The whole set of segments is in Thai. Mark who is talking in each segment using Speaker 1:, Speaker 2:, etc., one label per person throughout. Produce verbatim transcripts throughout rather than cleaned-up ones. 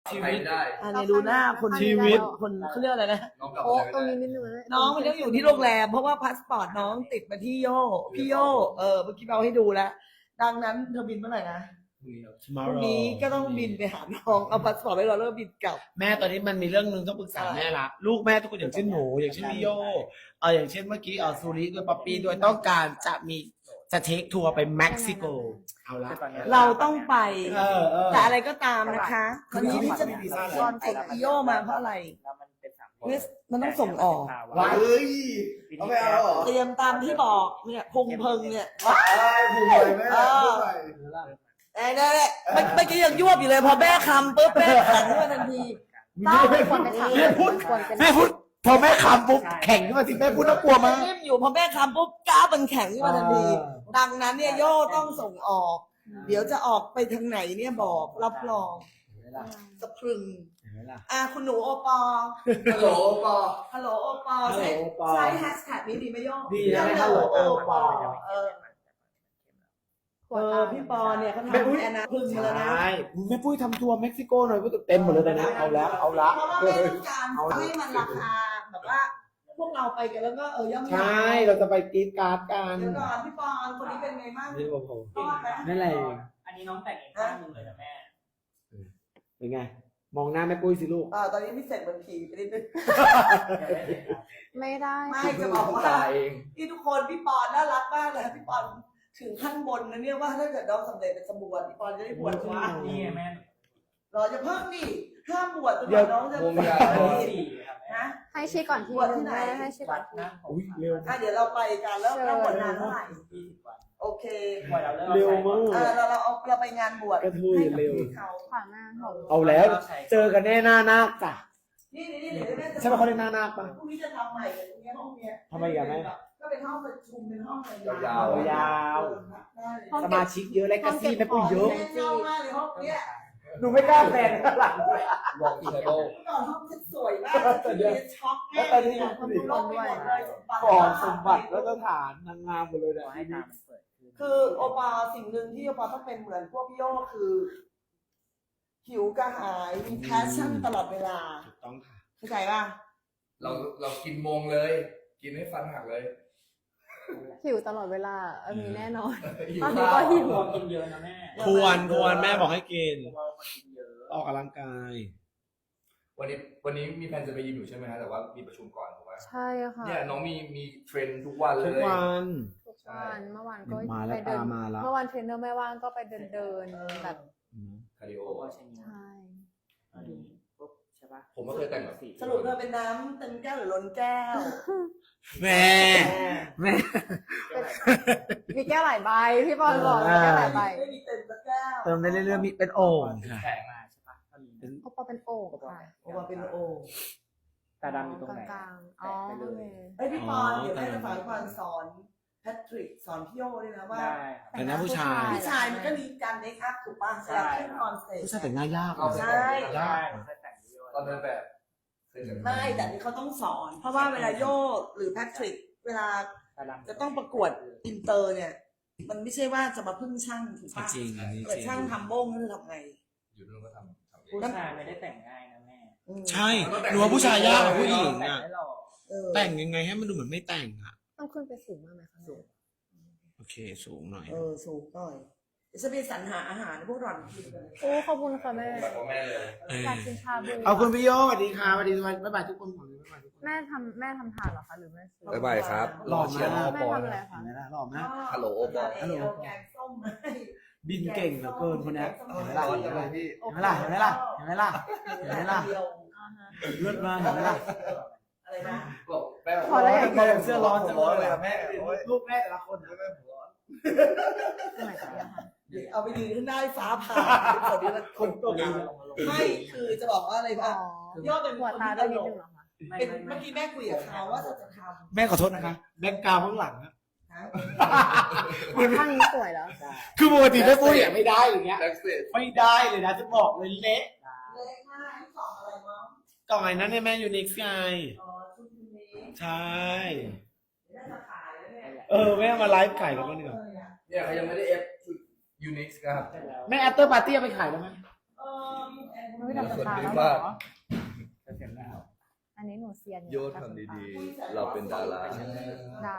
Speaker 1: ชีวิตได้
Speaker 2: อันนี้ดูหน้าคน
Speaker 3: ชีวิต
Speaker 2: คนเขาเรียกอะไรนะ
Speaker 1: น้องกลับ
Speaker 3: โอ้
Speaker 1: มา
Speaker 3: ตรง
Speaker 1: ได้
Speaker 3: นี้นิดนึงนะ
Speaker 2: น้องมันต้องอยู่ที่โรงแรมเพราะว่าพาสปอร์ตน้องติดมาที่โยพี่โยเออเมื่อกี้เราให้ดูแล้ว ดังนั้นเธอบินเมื่อไหร่นะพรุ่งนี้ก็ต้องบินไปหาน้องเอาพาสปอร์ตไว้รอแล้วบินกลับ
Speaker 4: แม่ตอนนี้มันมีเรื่องนึงต้องปรึกษาแม่ละลูกแม่ทุกคนอย่างเช่นหนูอย่างเช่นพี่โยเอออย่างเช่นเมื่อกี้เออซูริด้วยป๊อปปี้ด้วยต้องการจะมีจะเทคทัวร์ไปเม็กซิโกเอาละ
Speaker 2: เราต้องไป
Speaker 4: เออเออ
Speaker 2: แต่อะไรก็ตามนะคะตอนนี้ที่จะ
Speaker 4: ไม่มีวีซ่าเลย
Speaker 2: ตอนไอ้พี่โยมาเพราะอะไรเนี่ยมันต้องส่งออก
Speaker 4: ว้า
Speaker 1: เฮ้ยเอาไปเอาเหรอ
Speaker 2: เตรียมตามที่บอกเนี่ยพุงเพิงเนี่ย
Speaker 1: ไอ้ผู้ใหญ่แม่ผู้ใหญ่
Speaker 2: ไอ้นั่นแหละเมื่อเมื่อกี้ยังยวบอยู่เลยพอแม่คำปุ๊บแม่แข็งขึ้นมาทันที
Speaker 3: ต้องไม่ควรไปถาม
Speaker 4: แม่พูด
Speaker 3: ควรเป็น
Speaker 4: แม่พูดพอแม่คำปุ๊บแข่งขึ้นมาสิแม่พูดน่ากลัวมาก
Speaker 2: นิ่มอยู่พอแม่คำปุ๊บก้าวมันแข็งขึ้นมาทันที ดังนั้นเนี่ยโย่ต้องส่งออก เดี๋ยวจะออกไปทางไหนเนี่ยบอกรับรองสะพรึงอ่ะคุณหนูโอปอ
Speaker 1: ฮัลโหลปอ
Speaker 2: ฮัลโหลโอปอใช้
Speaker 4: ฮัลโหลโอปอ
Speaker 2: ใช้แฮชแท็กนี้ดีไหมโย่
Speaker 4: ดีนะ
Speaker 2: ฮัลโหลโอปอ
Speaker 4: ฮัลโหล
Speaker 2: เออ
Speaker 3: ขว
Speaker 2: เอ
Speaker 3: ดตา
Speaker 2: อพี่ปอเนี่ยเขาทำ
Speaker 4: แม่ปุ้ย
Speaker 2: แอนนาพึ่งมาแล้วนะ
Speaker 4: ใช่แม่ปุ้ยทำทัวร์เม็กซิโกหน่อยเต็มหมดเลยนะเอาแล้วเอาละ
Speaker 2: เพราะว่าไม่ต้องการให้มันราคาแบบว่า พวกเราไปกันแล้วก็เออย่อม
Speaker 4: ใช่เราจะไปกรีดการ์ดกัน
Speaker 2: เดี๋ยวก่อนพี่ปอนคนนี้เป็นไงบ้าง
Speaker 4: นี่ผมผม
Speaker 2: รอดไหม
Speaker 4: นั่นแหละ
Speaker 5: อันนี้น้องแต่งเองข้างหนึงเลยนะแม่
Speaker 4: เป็นไง มองหน้าแม่ปุ้ยสิลูก
Speaker 2: อ่าตอนนี้พี่เสกเหมือนผีไปนิดนึง
Speaker 3: ไม่ได้
Speaker 2: ไม่จะบอกว่า
Speaker 1: ตายเอง
Speaker 2: ที่ทุกคนพี่ปอนน่ารักมากเลยพี่ปอนถึงขั้นบนนะเนี่ยว่าถ้าเกิดน้องสำเร็จเป็นสมบวชพี่ปอนจะได้บวชวะ
Speaker 5: นี่ไงแม่
Speaker 2: เราจะเพิ่มดิห้ามบวชจนก
Speaker 4: เดี๋ยว
Speaker 2: ว่าน้องจะ
Speaker 1: วง
Speaker 2: บวช
Speaker 1: ยา
Speaker 5: สี่ครับแม่
Speaker 2: นะ
Speaker 3: ให้ชี้ก่อนที
Speaker 2: บวช
Speaker 3: นึ
Speaker 2: ที่
Speaker 3: ง
Speaker 2: ไหน
Speaker 3: แม่ให้ชี้ก่
Speaker 5: วั
Speaker 3: อน
Speaker 5: ด
Speaker 3: ที
Speaker 5: หน้าของ
Speaker 4: อุ้ยเร็ว
Speaker 2: อ่ะเดี๋ยวเราไปกันแล้วเราบวชนานเท่าไหร่
Speaker 5: ยี่สิบวัน
Speaker 2: โอเค
Speaker 5: ปล่อยเราเลิก
Speaker 4: เร็วมาก
Speaker 2: เออเราเราเอาเราไปงานบวช
Speaker 4: กระทุย
Speaker 2: ให้กับ
Speaker 4: เร็ว
Speaker 2: พี่เขา
Speaker 3: ขวางหน้าของ
Speaker 4: เอาแล้ว เจอกันแน่หน้านาคจ้ะ
Speaker 2: นี่นี่นี่เดี๋ยวแม่จะ
Speaker 4: ใช่ไหมเขาเรียกหน้านาคปะ
Speaker 2: พรุ่งนี้จะทำใหม่กันตรงเนี้ยห้องเนี้ย
Speaker 4: ทำไมอีกอ่ะแม่
Speaker 2: ก็เป็นห้องประชุมเป็นห้องอะไร
Speaker 1: ยาวๆ
Speaker 4: ยาว
Speaker 2: ได้เลย
Speaker 4: สมาชิกเยอะและกระซี่แม่ปุ้ยเยอะ
Speaker 2: แม่ชอบมากเลยห้องเนี้ย
Speaker 4: หนูไม่กล้าแฟนข้างหลังเลย
Speaker 1: วองเชโด
Speaker 2: เมื่อก่อนห้องฉันสวยมากแต่เดี๋ยวนี้ช็อกแม่เลยอะมันดูโลกไปหมดเลยสมบัติ
Speaker 4: ก่อนสมบัติแล้วก็ฐานนางงามหมดเลย
Speaker 5: ขอให้
Speaker 4: นะ
Speaker 5: ตามันเปิดขึ้น
Speaker 2: คือโอปาสิ่งหนึ่งที่โอปาต้องเป็นเหมือนพวกพี่โยคือหิวกระหายมีแพชชั่นตลอดเวลา
Speaker 4: ถูกต้องค่ะ
Speaker 2: เข้าใจป่ะ
Speaker 1: เราเรากินโมงเลย กินให้ฟันหักเลย
Speaker 3: หิวตลอดเวลาเออมีแน่นอน
Speaker 1: หิว
Speaker 3: ตอนนี้
Speaker 1: ข้า
Speaker 3: ก็
Speaker 1: ว
Speaker 3: หิว
Speaker 5: ควรกินเยอะนะแม่
Speaker 4: ควรควรแม่บอกให้กิน
Speaker 5: เพราะว่าคนกินเยอะ
Speaker 4: ออกกำลังกาย
Speaker 1: วันนี้วันนี้มีแผนจะไปยิมอยู่ใช่ไหมฮะแต่ว่ามีประชุมก่อนถูกไหม
Speaker 3: ใช่ค่ะ
Speaker 1: เนี่ยน้องมีมีเทรนทุกวันเล
Speaker 4: ทุก
Speaker 1: ย
Speaker 4: วัน
Speaker 3: ทุกวันเมื่อวานก็
Speaker 4: มาแล้ว
Speaker 3: ไปเดิน
Speaker 4: ตามมาแล้ว
Speaker 3: เมื่อวานเทรนเนอร์ไม่ว่างก็ไปเดินเดินๆแบบ
Speaker 1: คาร์ดิโอ
Speaker 5: โอ้ใช่ไหม
Speaker 3: ใช่
Speaker 5: อันนี้ปุ๊บใช่ปะ
Speaker 1: ผมก็เคยแต่งแบบ
Speaker 2: สรุปเธอเป็นน้ำเต็มแก้วหรือล้นแก้ว
Speaker 4: แม่แม่
Speaker 3: มีแก้วหลายใบพี่บอลบอกมีแก้วหลายใบ
Speaker 2: ไม่มีเต็มสักแก้ว
Speaker 4: เติมได้เรื่อยๆมีเป็นโอ่งค่ะ
Speaker 5: แข็งมาใช่ปะอันนี้
Speaker 4: เป็น
Speaker 3: โอปอเป็นโอ่งค่ะ
Speaker 2: โอปาเป็นโอ
Speaker 5: ตาดำอยู่ตรงไหน
Speaker 3: กลางๆอ๋อโอเค
Speaker 2: เอ้ยพี่ปอนเดี๋ยวแม่จะฝากพี่ปอนสอนแพทริกสอนพี่โยด้วยนะว่า
Speaker 5: ได้
Speaker 4: แต่หน้าผู้ชาย
Speaker 2: ผู้ชายมันก็มีการเมคอัพถูกป่ะเวลาขึ้นคอนเสิร์ต
Speaker 4: ผู้ชายแต่งหน้ายาก
Speaker 1: เอา
Speaker 2: ใช่
Speaker 1: ยาก
Speaker 5: เคยแต่งเยอะ
Speaker 1: ตอนเดินแบบเคยแต่งแบบ
Speaker 2: ไม่แต่นี่เขาต้องสอน เพราะว่าเวลาโยหรือแพทริกเวลา
Speaker 5: ตาดำ
Speaker 2: จะต้องประกวดอินเตอร์เนี่ย มันไม่ใช่ว่าจะมาพึ่งช่างถูกป่ะ
Speaker 4: จริงอันนี้
Speaker 2: เกิด
Speaker 4: จริง
Speaker 2: ช่างทำโบ้งนี่ทำไง
Speaker 1: อยู่นู่นก็ทำทำเอง
Speaker 5: ผู้ชายไม่ได้แต่งง่ายนะแม่
Speaker 2: อืม
Speaker 4: ใช่หนูว่าผู้ชายยากกว่าผู้หญิง
Speaker 5: แต่ง
Speaker 4: อ่ะ
Speaker 5: ให้เรา
Speaker 2: เออ
Speaker 4: แต่งยังไงให้มันดูเหมือนไม่แต่งอ่ะ
Speaker 3: ต้องขึ้นไปสูงมากไหมคะสูง
Speaker 4: โอเคสูงหน่อย
Speaker 2: เออสูงหน่อยเดี๋ยวจะไปสรรหาอาหารให้พวกหล่อนกินกัน
Speaker 3: โอ้ขอบคุณค่ะแม่
Speaker 1: แบบพ่อแม่เลย
Speaker 4: เออ
Speaker 3: อยากกินชาบู
Speaker 4: เอาคุณพี่โยสวัสดีค่ะสวัสดีบ๊ายบายทุกคนก่อนบ๊ายบายทุกคน
Speaker 3: แม่ทำแม่ทำทานเหรอคะหรือแม่ซื้อ
Speaker 1: บ๊ายบายครับ
Speaker 4: หล่อ
Speaker 1: เชียร์น้อง
Speaker 3: แม่
Speaker 1: ปอ
Speaker 3: ทำอะไรคะ
Speaker 4: เห็นไหมล่ะหล่อมาก
Speaker 1: ฮัลโหลโอปอ
Speaker 2: ฮัลโหลแกงส้มให้
Speaker 4: บินเก่งเหลือเกินคนเนี้ยเห็นไหมล่ะ
Speaker 1: ร้อนจังเลยพี่
Speaker 4: เห็นไหมล่ะเห็นไหมล่ะเห็นไหมล่ะเห็นไหมล่ะ
Speaker 3: อ่าฮะ
Speaker 4: เลือดมาเห็นไหมล่ะ
Speaker 2: อะไรนะ
Speaker 1: บอกแม่
Speaker 3: พอแล้วอย่างเดียว
Speaker 4: เสื้อร้อนจังเลยอะ
Speaker 1: แม่
Speaker 4: ลูกแม่แต่ละคนอะ
Speaker 1: แม่ผมร้อน
Speaker 3: สมัยก่อนนะคะ
Speaker 2: เอาไปยืนขึ้นได้ฟ้าผ่าคนนี้ละ
Speaker 4: คนตกงาน
Speaker 2: ไม่คือจะบอกว่าอะไร
Speaker 3: อ๋
Speaker 2: ป่ะ
Speaker 3: อย
Speaker 2: อดเป็น
Speaker 3: หัว
Speaker 2: คน
Speaker 3: ตา
Speaker 2: ที่ต
Speaker 3: ด้วยนิ
Speaker 2: ล
Speaker 3: ด
Speaker 2: ก
Speaker 3: นึงเหรอคะ
Speaker 5: ไม่
Speaker 2: เป็น
Speaker 5: ไม่
Speaker 2: เมื่อกี้แม่คุยกับเขาว่าจะจะท
Speaker 4: แม่ขอโทษนะคะแบ็กกราวด์ข้างหลังอะ
Speaker 2: ำนะ
Speaker 3: ข้างนี้สวยแล้ว
Speaker 4: คือปกติแม่ปุ้ยอะไม่ได้อย่างเงี้ย
Speaker 1: แบ็กสเตจ
Speaker 4: ไม่ได้เลยนะจะบอกเลยเละ
Speaker 2: เล็กมากที่สองอะไรมั้ง
Speaker 4: กล่องไอ้นั้นเนี่ยแม่ยูนิคไง
Speaker 2: อ๋อชุดนี้
Speaker 4: ใช่
Speaker 2: เดี๋ยวน่าจะขายแล้วเนี่ย
Speaker 4: เออแม่มาไลฟ์ขายกันบ้างดีกว่า
Speaker 1: เนี่ยเขายังไม่ได้เอฟชุดยูนิคครับ
Speaker 5: เสร็จแล้ว
Speaker 4: แม่แอตเตอร์ปาร์ตี้เอาไปขายได้ไหม
Speaker 2: เออแอนโท
Speaker 3: ไม่ดับ
Speaker 1: คน
Speaker 3: ตา
Speaker 1: ดี
Speaker 3: แล้วเหร
Speaker 1: มาก
Speaker 3: อ
Speaker 5: จะเสร็จแล้ว
Speaker 3: อันนี้หนูเซียนอ
Speaker 1: โยทำดีๆ เราเป็นดารา
Speaker 3: ได้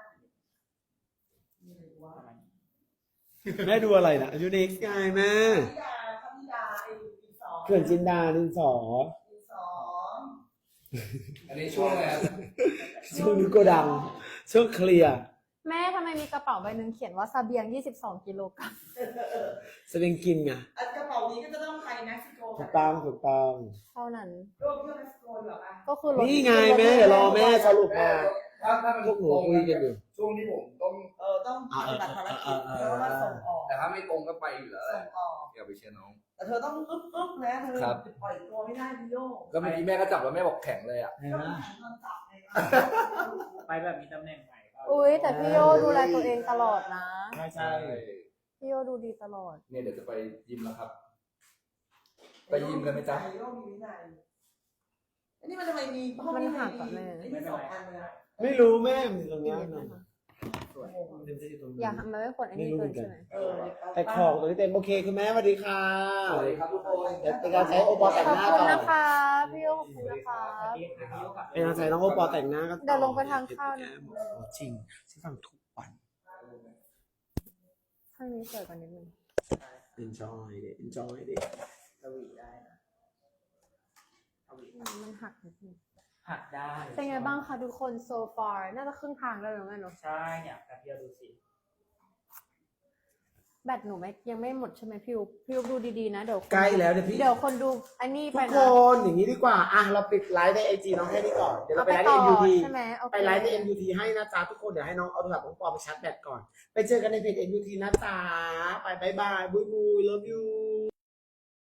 Speaker 4: แม่ดูอะไรนะยูนิคไงแม่
Speaker 2: พิดาพระพิดาไอ้ดินสอ
Speaker 4: เขื่อนจินดาดินสอ
Speaker 2: ดินสอ
Speaker 1: อันนี้ช่วงอะไรครับ
Speaker 4: ช่วงนี้โกดังช่วงเคลียร์
Speaker 3: แม่ทำไมมีกระเป๋าใบหนึ่งเขียนว่าเสบียงยี่สิบสองกิโลกรัม
Speaker 4: แสดงกินไง
Speaker 2: อันกระเป๋านี้ก็จะต้องไปเม็กซิโก
Speaker 4: ถูกต้องถูกต้อง
Speaker 3: เท่านั้น
Speaker 2: ร่วมเที่ยวเม็กซิโกดีกว่าปะ
Speaker 3: ก็คือรถ
Speaker 4: นี่ไงแม่เดี๋ยวรอแม่สรุปมา
Speaker 1: ถ้าถ้ามัน
Speaker 4: พวกหนูคุยกันอยู่
Speaker 1: ช่วงที่ผมต้อง
Speaker 2: เออต้องปฏิบัติภารกิจเพราะว่าส่งออก
Speaker 1: แต่ถ้าไม่ตรงก็ไปอยู่แล้วแห
Speaker 2: ส่
Speaker 1: ละ
Speaker 2: งออก
Speaker 1: อย่าไปเชียร์น้อง
Speaker 2: แต่เธอต้องอึ๊บอึ๊บนะเธอ
Speaker 1: ครับ
Speaker 2: ปล่อยตัวไม่ได้พี่โย
Speaker 1: ก็เมื่อกี้แม่ก็จับแล้วแม่บอกแข็งเลยอ่ะ
Speaker 2: ก็มันแข่งตอนจับไง
Speaker 5: ไปแบบมีตำแหน่งใหม่ก็
Speaker 3: อุ้ยแต่พี่โยดูแลตัวเองตลอดนะ
Speaker 4: ใช่ใช่
Speaker 3: พี่โยดูดีตลอด
Speaker 1: เนี่ยเดี๋ยวจะไปยิมแล้วครับ ไปยิมกันไหมจ๊ะ
Speaker 2: โยมีวินัยอันนี้มันทำไมมีห้อง
Speaker 3: มัน
Speaker 2: นี้
Speaker 3: หักก่อนแม่
Speaker 2: ไอ้นี่สองอันเลยอะ
Speaker 4: ไม่รู้แม่มันอยู่ตรงนี้
Speaker 3: ดี
Speaker 4: หน่อย
Speaker 3: นะคะ
Speaker 5: สวย
Speaker 3: อยากทำมันไม่ควรไอ้นี่เกินใช่ไหม
Speaker 2: เออ
Speaker 4: แต่ของตัวนี้เต็มโอเคคุณแม่สวัสดีค่ะ
Speaker 1: สวัสดีครับทุกคน
Speaker 4: เดี๋ยวเป็นการใช้โอปอแต่ง
Speaker 3: ขอบ
Speaker 4: หน้า
Speaker 3: คุณ
Speaker 4: ก่อน
Speaker 3: นะคะพี่โยขอบคุณนะคะ
Speaker 4: เป็นการใช้น้องโอปอแต่งหน้าก็
Speaker 3: เดี๋ยวลงไปทานข้าวนะ
Speaker 4: จริงฉันฟังทุกวัน
Speaker 3: ข้างนี้สวยกว่านิดนึง
Speaker 4: enjoy ดิ enjoy ดิ
Speaker 5: สวีได้นะสวี
Speaker 3: มันหักนิดนึง
Speaker 5: หักได้
Speaker 3: เป็นไงบ้างคะทุกคน so far น่าจะครึ่งทางแล้วหรือไงเนาะ
Speaker 5: ใช่เนี่ยแป๊บเดียวดูสิ
Speaker 3: แบตหนูไม่ยังไม่หมดใช่ไหมพี่อุ๊บพี่อุ๊บดูดีๆนะเดี๋ยวคน
Speaker 4: ใกล้แล้วเดี๋ยวพี่
Speaker 3: เดี๋ยวคนดูอันนี้ไป
Speaker 4: ทุก
Speaker 3: นะ
Speaker 4: คนอย่างนี้ดีกว่า อ่ะ เราปิดไลฟ์ในไอจีน้องแค่นี้ก่อน เดี๋ยวเรา
Speaker 3: เอา
Speaker 4: ไป
Speaker 3: ไป
Speaker 4: ไลฟ์ใน
Speaker 3: ต่อ
Speaker 4: เอ็มยูที
Speaker 3: ใช่ไหมโอเค
Speaker 4: ไปไลฟ์ใน เอ็ม ยู ที ให้นะจ๊ะทุกคน เดี๋ยวให้น้องเอาโทรศัพท์น้องปอไปชาร์จแบตก่อน ไปเจอกันในเพจ เอ็ม ยู ที นะจ๊ะ ไปบายบาย บุยบุย love you